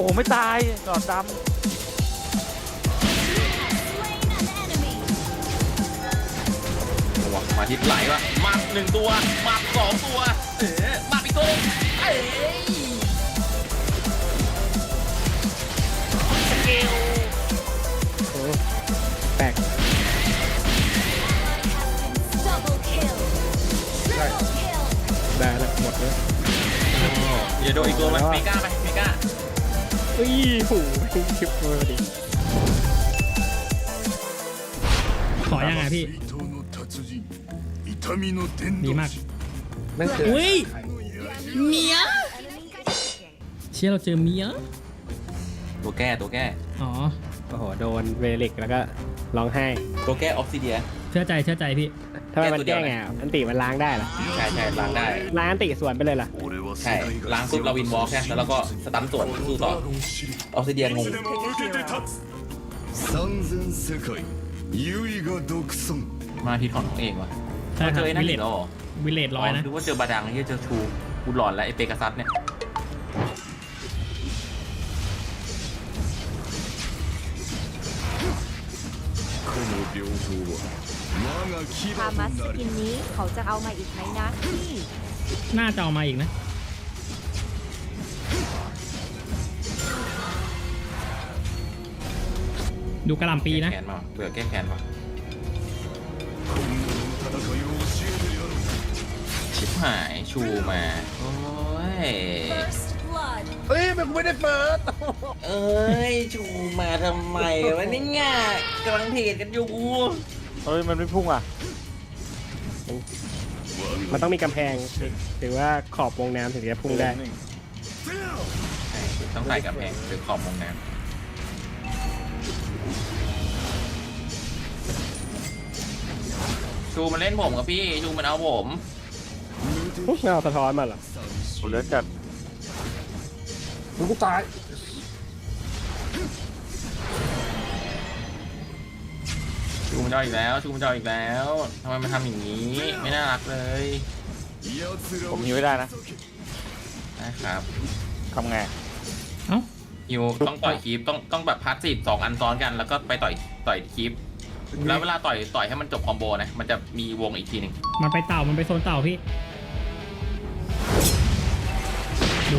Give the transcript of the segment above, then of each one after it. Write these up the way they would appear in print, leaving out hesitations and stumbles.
อ้ไม่ตายหลอดดมาทิศไหลวะมาหนึ่งตัวมาสองตัวมาอีกตัวำสกิลโอ้แตกได้แล้วหมดเลยอย่าโดนอีกตัวมันเมกาไปเมกาอุ้ยหูคลิปเลยดิขอยังไงพี่ดีมากนั่นคืออุ้ยเมียเชี่ยเราเจอเมียตัวแก้อ๋อโอ้โหโดนเวลิกแล้วก็ร้องไห้ตัวแก้ออฟซิเดียเชื่อใจพี่ทำไมมันแก้ไงอันติมันล้างได้เหรอใช่ล้างได้ล้างอันติสวนไปเลยเหรอใช่ล้างปุ๊บเราวินวอล์กใช่แล้วเราก็สตันส่วนสู้ต่อออฟซิเดียงงมาที่ของเองวะใช่คเจรับอไอ้นั่วินเลอีตกแล้วเหรอวิเลตร้อยนะดูว่าเจอบาดังที่เจอชูกูหลอนแล้วไอ้เปกัสซัสเนี่ยพามัสสกินนี้เขาจะเอามาอีกไหมนะพี่น่าจะเอามาอีกนะดูกระหล่ำปีนะแขนมาเบื่อแก้แขนมาชิบหายชูมาโอ้ยเฮ้ยมันไม่ได้เปิดเอ้ยชูมาทำไมวะเนี่ยกำลังเทรดกันอยู่เฮ้ยมันไม่พุ่งอ่ะมันต้องมีกำแพงหรือว่าขอบวงน้ำถึงจะพุ่งได้ใช่ต้องใส่กับแพงหรือขอบมงน้ำชูมันเล่นผมกับพี่ชูมันเอาผมเงาสะท้อนมาเหรอผมเลือดจัดมึงกูตายชูมันจะเอาอีกแล้วชูมันจะเอาอีกแล้วทำไมมันทำอย่างนี้ไม่น่ารักเลยผมฮิวไม่ได้นะนะครับทำไงเอ้าฮิวต้องต่อยคีปต้องแบบพาสซีฟ2 อันซ้อนกันแล้วก็ไปต่อยคีปแล้วเวลาต่อยให้มันจบคอมโบนะมันจะมีวงอีกทีหนึ่งมันไปโซนเต่าพี่ดู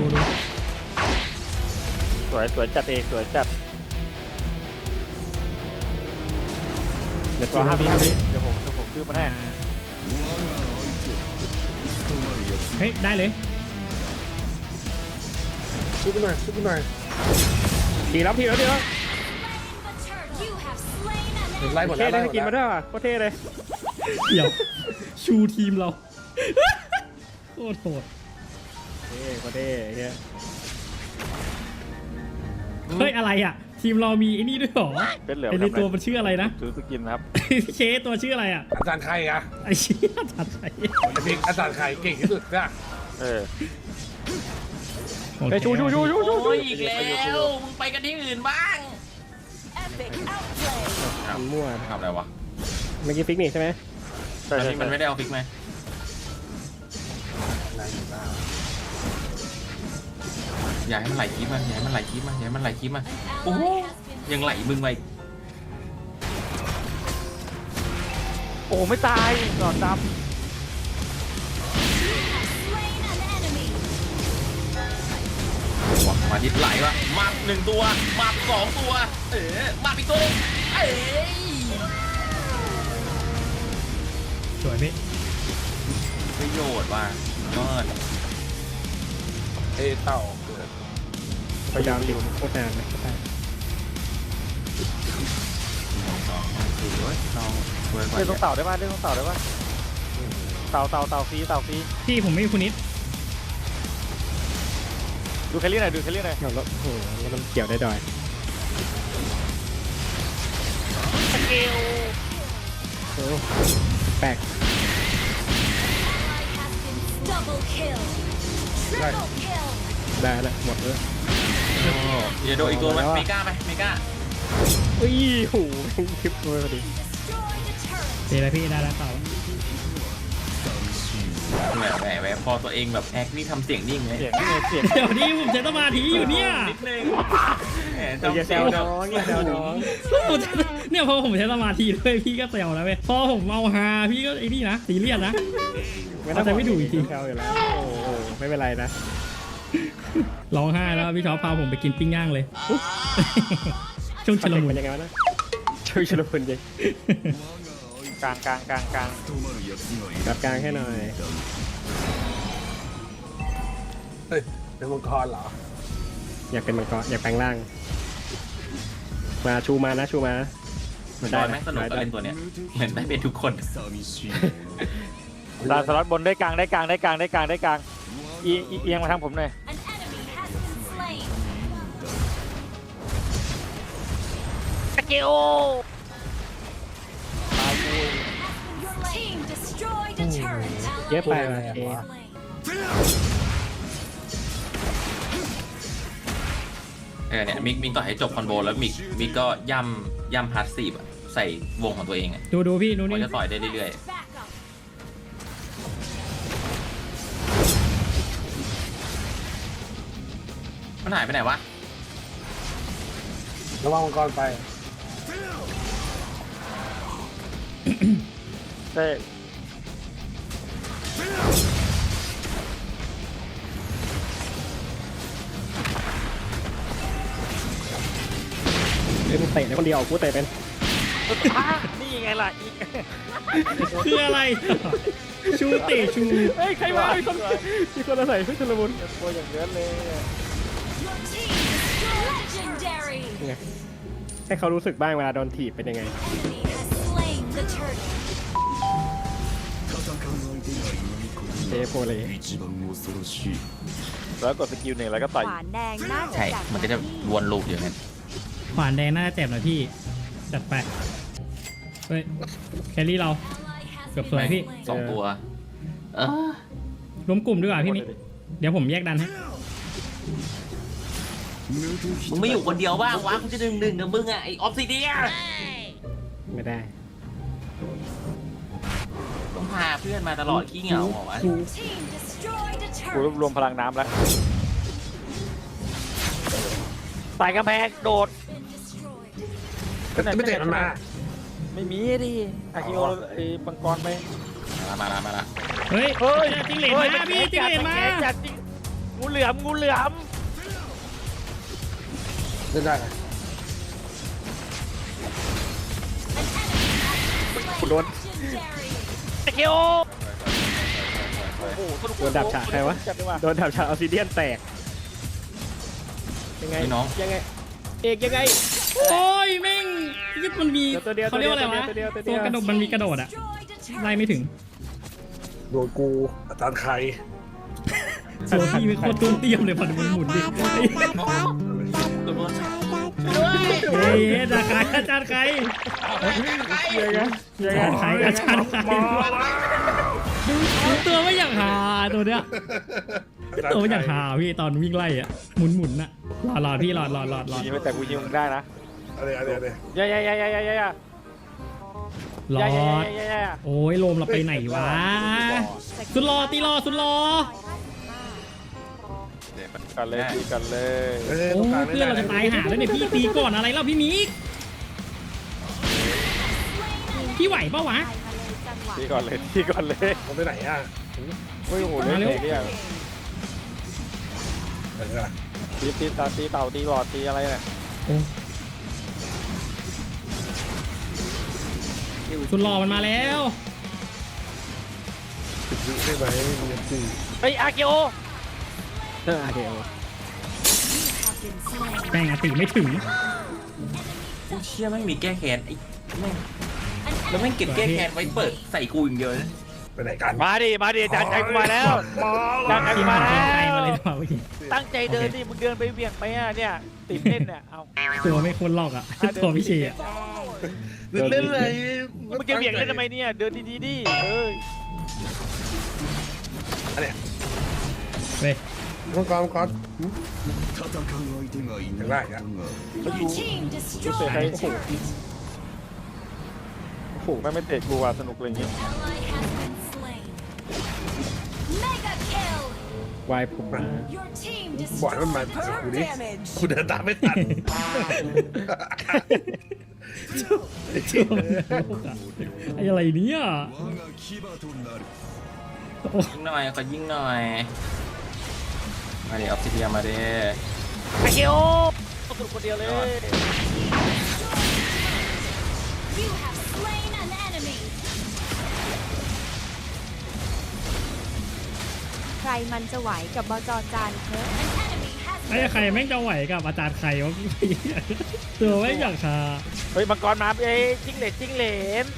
สวยจัดเองสวยจัดเดี๋ยวตัวห้าพี่เดี๋ยวผมซื้อมาให้เฮ้ยได้เลยซื้อไปหน่อยทีแล้วไล่หมดเท่แล้วได้กินมาด้วยว่ะโคตรเท่เลยเดี๋ยวชูทีมเราโคตรโหดเท่โคตรเท่เฮ้ยเฮ้ยอะไรอ่ะ ทีมเรามีไอ้นี่ด้วยเหรอเป็นเหลืองไอ้ในตัวมันชื่ออะไรนะซื้อสกินครับเคตัวชื่ออะไรอ่ะอาจารย์ใครอะไอ้เชี่ยจัดใจอาจารย์ใครเก่งที่สุดนะโอเคไปชูโอ้ยอีกแล้วมึงไปกันที่อื่นบ้างทำมั่วทำอะไรวะเมื่อกี้ฟิกนี่ใช่ไหมตอนนี้มันไม่ได้เอาฟิกไหมอย่าให้มันไหลคีบมาโอ้โหยังไหลมึงไปโอ้ไม่ตายหลอดดมาทิศไหลวะมาหนึ่งตัวมาสองตัวมาอีกตัวสวยพี่ประโยชน์ว่ะยอดำเต่าเกิดพยายามอยู่โคตรนานเลยคือเว้ยเราช่วยก่อนเล่นต้องเต่าได้ป่ะเต่าฟรีพี่ผมไม่มีคุณนิดดูแคลรี่หน่อยแล้วโอ้โหแล้วมันเกี่ยวได้ดอยโอ้แปลก ได้แล้วหมดเลยอย่าโดนอีกตัวมันเมกาไปเมกาอุ้ยหูคลิปเลยพอดีเดี๋ยวพี่ได้แล้วเต่าแหมพอตัวเองแบบแอคนี่ทำเสียงนิ่งเลยเสียงนี่ไงเสียงเดี๋ยวนี้ผมใช้สมาธิอยู่เนี่ยนิดนึงแหมอย่าทำแซเสียงวแบน้บองอย่าแซวน้องเนี่ยพอผมใช้สมาธิด้วยพี่ก็แซวแล้วเว้ยพอผมเมาฮาพี่ก็ไอ้นี่นะซีเรียสนะ เอาใจไม่ถูกจริงแซวอยู่แล้วโอ้โหไม่เป็นไรนะร้องไห้แล้วพี่ท็อปพาผมไปกินปิ้งย่างเลย ช่วงชุลมุนเป็นยังไงวะนะช่วยชุลมุนดิกลางกลางกลางกลางรับกลางให้หน่อยเฮ้ยเป็นมังกรเหรออยากเป็นมังกรอยากแปลงร่าง มาชูมานะชูมานะมันจได้อยไหมแม่งสนุกก็เล่นตัวเนี้ยเหมือนได้เป็นทุกคนดาวสล็อตบนได้กลางได้กลางได้กลางได้กลางได้กลางเอียงมาทางผมหน่อย An enemy has been slain. ตะเกียว Your team destroyed a turret. เยอะไปว่ะ Ally เอ has been slain. เนี่ยมิกต่อยให้จบคอนโบแล้วมิกก็ย่ำพาสซีฟใส่วงของตัวเองอ่ะดูพี่ดูมันนี่จะต่อยได้เรื่อย Back up. ๆมันหายไปไหนวะระวังมังกรไปเต้เล่นเตะได้คนเดียวกูเตะเป็นนี่ไงล่ะอีกคืออะไร ชูเตะชูเฮ้ยใครมามีคนอาศัยเพื่อชุลมุนตัวอย่างเยอะเลย Your team destroyed. Legendary. ไงให้เขารู้สึกบ้างเวลาโดนถีบเป็นยังไง Enemy has slain the turret. เจโปเลยแล้วกดสกิลหนึ่งแล้วก็ต่อยขวานแดงน่าจะใช่จัดมันก็จะวนลูปอยู่เนี่ยขวานแดงน่าจะเจ็บหน่อยพี่ จัดไป เฮ้ย แครี่เรา เกือบสวยพี่สองตัวเออรวมกลุ่มดีกว่าพี่มิกเดี๋ยวผมแยกดันให้มึงไม่อยู่คนเดียวบ้างวะกูจะดึงกับมึงอ่ะไอออฟซิเดียไม่ได้ต้องพาเพื่อนมาตลอดขี้เหงาเหรอวะ Your team destroyed a กูรวบ turret. รวมพลังน้ำแล้วใส่กำแพงโดด Been destroyed. ไม่เตะมันมาไม่มีดิอากิโอไอ้ปังกรไปมาละเฮ้ยเฮ้ยจิงเหลนมาพี่จิงเหลนมาจัดจริงงูเหลือมงูเหลือมเล่นได้นะโดน Legendary. ตะเกียวโอ้โหสนุกโดนดับฉากใครวะจัดดีกว่าโดนดับฉากออซิเดียนแตก ยังไงพี่น้องยังไง เอกยังไงโอ้ยแม่งยึดมันมีตัวเดียวเขาเรียกว่าอะไรวะตัวเดียวตัวกระโดดมันมีกระโดดอะ Destroyed a ไล่ turret. ไม่ถึงโดนกูอาจารย์ใครตัวพี่ไม่โคตรตุ้มเตี้ยมเลยพอดูมันหมุนดิเฮ้ยอาจารย์ใครอาจารย์ใครยังไงยังไงอาจารย์ใครอาจารย์ใครดูตัวไม่อยากหาตัวเนี้ยตัวไม่อยากหาพี่ตอนวิ่งไล่อะหมุนน่ะรอพี่รอยิงไปแต่กูยิงมึงได้นะอะไรอะไรอย่าอย่าอย่าอย่าอย่าอย่ารออย่าอย่าโอ้ยโลมเราไปไหนวะสุดรอตีรอสุดรอกันเลยตีกันเลยเฮ้ยโอ้ตรงกลางเพื่อนเราจะตายหาแล้วเนี่ยพี่ตีก่อนอะไรแล้วพี่มิกพี่ไหวปะวะตีก่อนเลยตีก่อนเลยมันไปไหนอ่ะโอ้ยโหเล่นเลยเนี่ยไหนอ่ะตีเต่าตีหลอดตีอะไรเนี่ยสุดรอมันมาแล้วติดยุได้ไหมมีตีเฮ้ยอากิโอโอเคแม่งอะติไม่ถึงกูเชื่อไม่มีแก้แค้นไอ้แม่งแล้วแม่งเก็บแก้แค้นไว้เปิดใส่กูอย่างเดียวนะไปไหนกันมาดิอาจารย์ใจกูมาแล้วอาจารย์ใจทีกูมมาหาแล้เพลงไทยมาเลวยดีกว่าเมื่อกี้ตั้งใจเดินดิมึงเดินไปเบี่ยงไปอ่ะเนี่ยติดเล่นเนี่ยเอาตัวไม่ควรหลอกอ่ะตัวพี่เชยอ่ะเล่นอะไรมึงจะเบี่ยงเล่นทำไมเนี่ยเดินดีๆดิเอ้ยเว้ยมังกรมังกร戦う相手がいないได้อะ Your team รู้ destroyed สึก a ใคร turret. โอ้โหไม่เตะกูว่ะสนุกเลยอย่างงี้ Ally has been slain. วายผมมาบอกให้มันมากูดิกูเดินตามไม่ทันไอ้อะไรเนี่ย我が牙となるยิงหน่อยขอยิงหน่อยมาดิออฟซิเดียมาดิอาเกียวสนุกคนเดียวเลย You have slain an enemy ใครมันจะไหวกับบจจานเธอไอ้ใครแม่งจะไหวกับอาจารย์ใครวะตัวไม่งอย่างชาเฮ้ยมังกรมาเอ้ยจิ้งเหลนจิ้งเหลน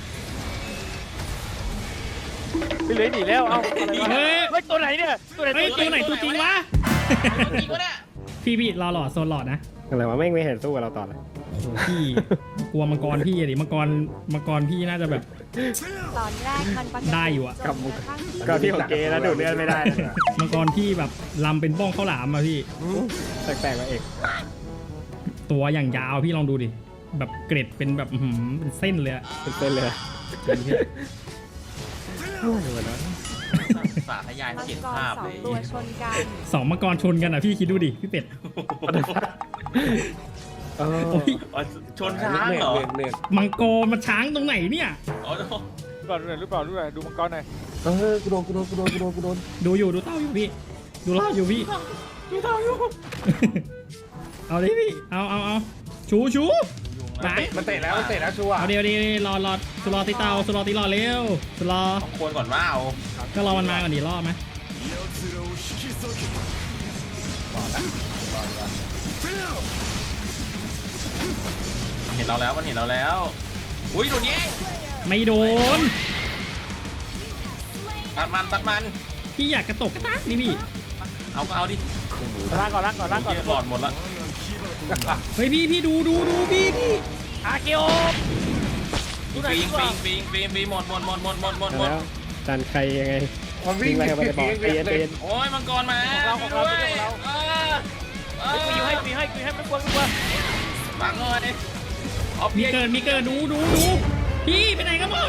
ไปเลยหนีแล้วเอ้าอะไรวะเฮ้ยเฮ้ยตัวไหนเนี่ยตัวไหนเฮ้ยตัวไหนตัวจริงวะจริงวะเนี่ยพี่รอหลอดโซนหลอดนะอะไรวะแม่งไม่เห็นสู้กับเราต่อเลยโอ้โหพี่กลัวมังกรพี่อะดิมังกรพี่น่าจะแบบตอนแรกมันปกติได้อยู่อะจนกระทั่งที่ก็พี่ของเกแล้วดูดเลือดไม่ได้นะมังกรพี่แบบลำเป็นบ้องข้าวหลามอะพี่แปลกๆว่าเอกตัวอย่างยาวพี่ลองดูดิแบบเกร็ดเป็นแบบอื้อหือเป็นเส้นเลยอะเป็นเส้นเลยสาธยายมังเขียนกรภาพสอเลงยตัวชนกันสองมังกรชนกันอะพี่คิดดูดิพี่เป็ดเออโอ้ยอ๋อชนช้างเหรอเนื่อยมังกรมันช้างตรงไหนเนี่ยอ๋อก่อนดูหน่อยรู้เปล่าดูมังกรหน่อยกูโดนดูอยู่ดูเต้าอยู่พี่ ดูรอบอยู่พี่ดูเท่าอยู่เอาดิพี่เอาชูไปมันเตะแล้วชัวร์เอาเดี๋ยวรอสุรอตีเตาสุรอตีรอเร็วสุรอต้องควรก่อนว่าเอาก็รอมันมาก่อนดิรอบไหม奴らを引き裂けเห็นเราแล้วมันเห็นเราแล้ว อุ้ยโดนแย่งไม่โดนตัดมันพี่อยากกระตกกระตากนี่พี่เอาก็เอาดิล้างก่อนเหี้ยหลอดหมดละเฮ้ยพี่ดูพี่อาเกียวดูหน่อยปิดีงกว่าปิงหมดแล้วจานใครยังไงมันวิ่งไปไปบอกใจเย็นโอ้ยมังกรมาของเราด้วยกูให้ไม่กลัวฟังหน่อยออฟมีเพียเกิดดูพี่ไปไหนกันหมด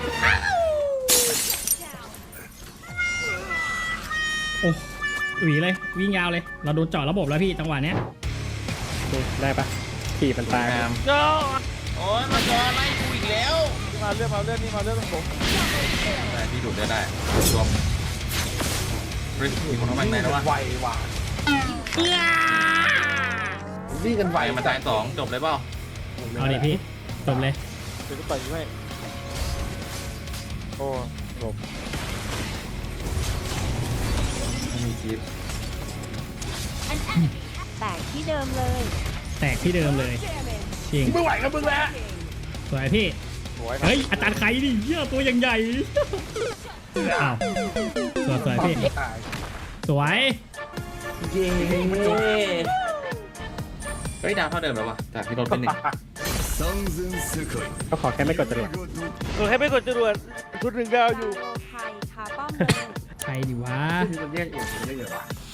โอ้หวีเลยวิ่งยาวเลย เราโดนเจาะระบบแล้วพี่จังหวะเนี้ยได้ปะขี่มันตายงามเจ้าโอ้ยมังกรไล่กูอีกแล้วมาเรื่องนี่มาเรื่องของผมได้พี่ดูดได้รวมเฮ้ยมีคนเข้ามาในแล้ววะไวว่ะวิ่งกันไหไววมาตาย2จบเลยเปล่าเอาดิพี่จบเลยเดี๋ยวกูต่อยให้โอ้ไม่มีคลิปแตกที่เดิมเลยแตกที่เดิมเลยจริงไม่ไหวกับมึงแล้วสวยพี่สวยเฮ้ยอาจารย์ใครดิเหี้ยตัวอย่างใหญ่อ้าวสวยพี่สวยเย้เฮ้ยดาวเท่าเดิมแล้ววะจากที่ลดไป1 三千世界ก็ขอแค่ไม่กดจรวดให้ไม่กดจรวดชุด1 ดาวอยู่ไทยคาป้อมเลยใครดีวะมันแยกเองได้ไงวะ